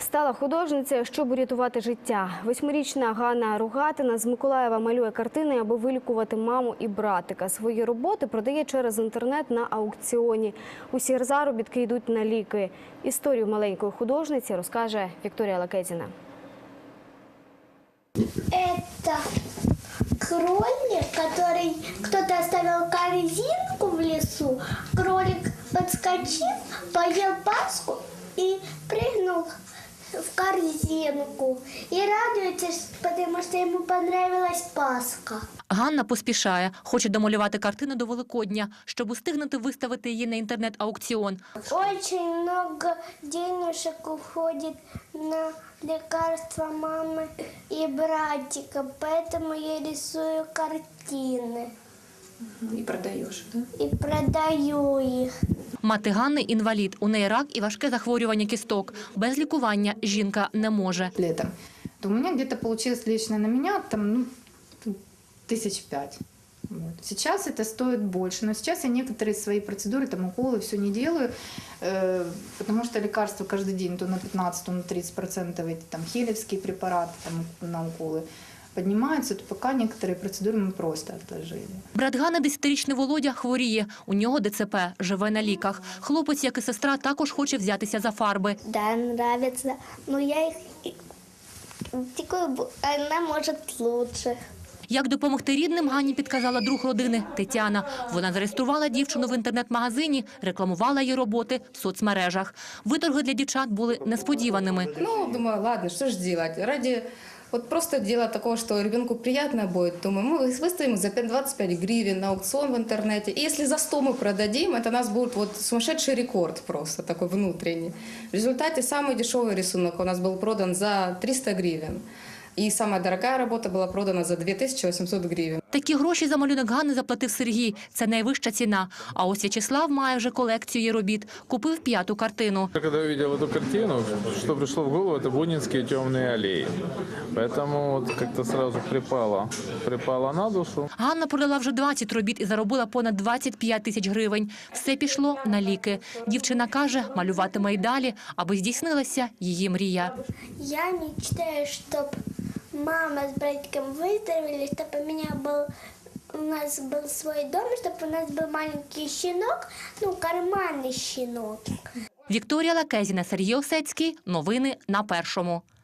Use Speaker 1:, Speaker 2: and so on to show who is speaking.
Speaker 1: стала художницею, щоб урятувати життя. 8-річна Ганна Рогатина з Миколаєва малює картини, аби вилікувати маму і братика. Свої роботи продає через інтернет на аукціоні. Усі заробітки йдуть на ліки. Історію маленької художниці розкаже Вікторія Лакезіна.
Speaker 2: Это кролик, который кто-то оставил корзинку в лесу. Кролик подскочил, поел паску и прыгнул в корзинку. И радуется, потому что ему понравилась паска.
Speaker 3: Ганна поспішає. Хоче домалювати картину до Великодня, щоб устигнути виставити її на інтернет-аукціон.
Speaker 2: Очень много денежек уходит на лекарства мамы и братика, поэтому я рисую картины.
Speaker 4: И продаешь, да?
Speaker 2: И продаю их.
Speaker 3: Мати Ганни – інвалід. У неї рак і важке захворювання кісток. Без лікування жінка не може.
Speaker 4: Летом. То у меня где-то получилось лично на меня там, 1005. Вот. Сейчас это стоит больше, но сейчас я некоторые свои процедуры, там уколы, все не делаю, потому что лекарства каждый день то на 15, то на 30% эти там хелевские препараты там, на уколы поднимаются, то пока некоторые процедуры мы просто отложили.
Speaker 3: Брат Ганни, 10-річний Володя, хворіє. У нього ДЦП, живе на ліках. Хлопець, як і сестра, також хоче взятися за фарби.
Speaker 2: Да, нравится. Но я их... Она может лучше.
Speaker 3: Як допомогти рідним, Ганні підказала друг родини – Тетяна. Вона зареєструвала дівчину в інтернет-магазині, рекламувала її роботи в соцмережах. Виторги для дівчат були несподіваними.
Speaker 5: Думаю, ладно, что ж делать? Ради просто дела такого, что ребенку приятно будет, думаю, мы выставим за 25 гривен на аукцион в интернете. И если за 100 мы продадим, это у нас будет сумасшедший рекорд просто, такой внутренний. В результате самый дешевый рисунок у нас был продан за 300 гривен. І самая дорогая робота була продана за 2800 гривень.
Speaker 3: Такі гроші за малюнок Ганни заплатив Сергій. Це найвища ціна. А ось В'ячеслав має вже колекцію її робіт. Купив 5-ту картину.
Speaker 6: Когда я увидел эту картину, что пришло в голову, это бунинские темные аллеи. Поэтому как-то сразу припало на душу.
Speaker 3: Ганна продала вже 20 робіт і заробила понад 25 тисяч гривень. Все пішло на ліки. Дівчина каже, малюватиме й далі, аби здійснилася її мрія.
Speaker 2: Я мечтаю, щоб мама с братиком выздоровели, чтобы у нас был свой дом, чтобы у нас был маленький щенок, карманный щенок.
Speaker 3: Вікторія Лакезіна, Сергій Осецький. Новини на Першому.